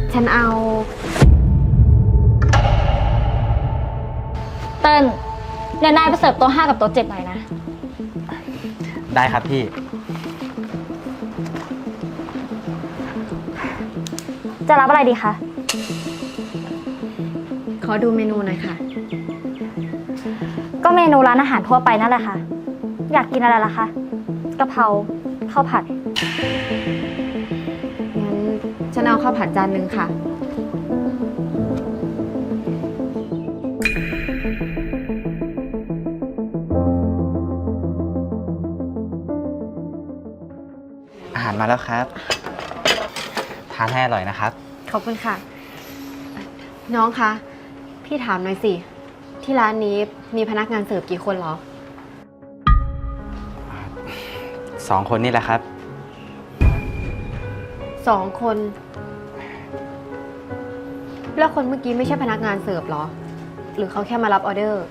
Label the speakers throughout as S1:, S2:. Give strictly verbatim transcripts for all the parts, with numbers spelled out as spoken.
S1: ฉันเอา
S2: เติ้ลเดี๋ยวนายไปเสิร์ฟโต๊ะห้ากับโต๊ะเจ็ดหน่อยนะ
S3: ได้ครับพี่
S2: จะรับอะไรดีคะ
S1: ขอดูเมนูหน่อยค่ะ
S2: ก็เมนูร้านอาหารทั่วไปนั่นแหละค่ะอยากกินอะไรล่ะคะกะเพราข้าวผัด
S1: งั้นฉันเอาข้าวผัดจานนึงค่ะ
S3: อาหารมาแล้วครับทานให้อร่อยนะครับ
S1: ขอบคุณค่ะน้องคะพี่ถามหน่อยสิที่ร้านนี้มีพนักงานเสิร์ฟกี่คนเหรอ
S3: สองคนนี่แหละครับ
S1: สองคนแล้วคนเมื่อกี้ไม่ใช่พนักงานเสิร์ฟเหรอหรือเขาแค่มารับออเดอร์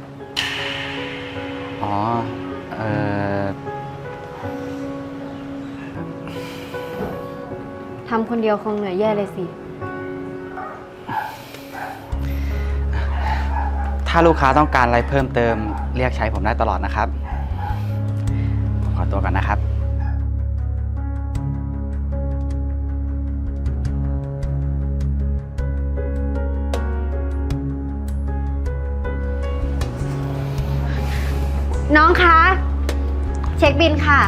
S3: อ๋อเออ
S1: ทำคนเดียวคงเหนื่อยแย่เลยสิ
S3: ถ้าลูกค้าต้องการอะไรเพิ่มเติมเรียกใช้ผมได้ตลอดนะครับผมขอตัวก่อนนะครับ
S1: น้องคะเช็คบิลค่ะ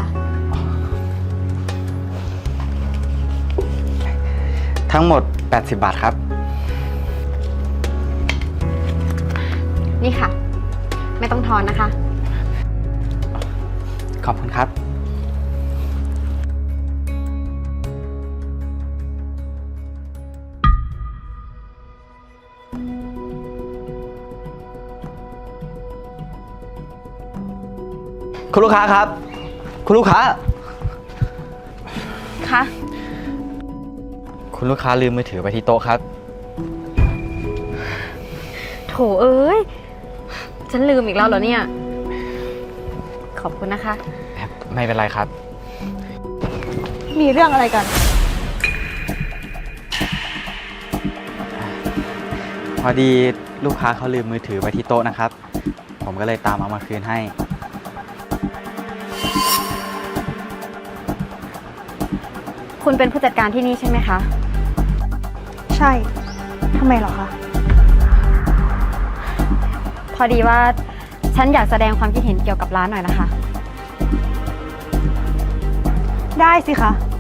S3: ทั้งหมดแปดสิบบาทครับ
S1: นี่ค่ะไม่ต้องทอนนะคะ
S3: ขอบคุณครับคุณลูกค้าครับคุณลูกค้า
S2: คะ
S3: คุณลูกค้าลืมมือถือไว้ที่โต๊ะครับ
S1: โถเอ้ยฉันลืมอีกแล้วเหรอเนี่ยขอบคุณนะคะ
S3: ไม่เป็นไรครับ
S2: มีเรื่องอะไรกัน
S3: พอดีลูกค้าเขาลืมมือถือไว้ที่โต๊ะนะครับผมก็เลยตามเอามาคืนให้
S1: คุณเป็นผู้จัดการที่นี่ใช่ไหมคะ
S2: ใช่ทำไมเหรอคะ
S1: พอดีว่าฉันอยากแสดงความคิดเห็นเกี่ยวกับร้านหน่อยนะคะ
S2: ได้สิคะ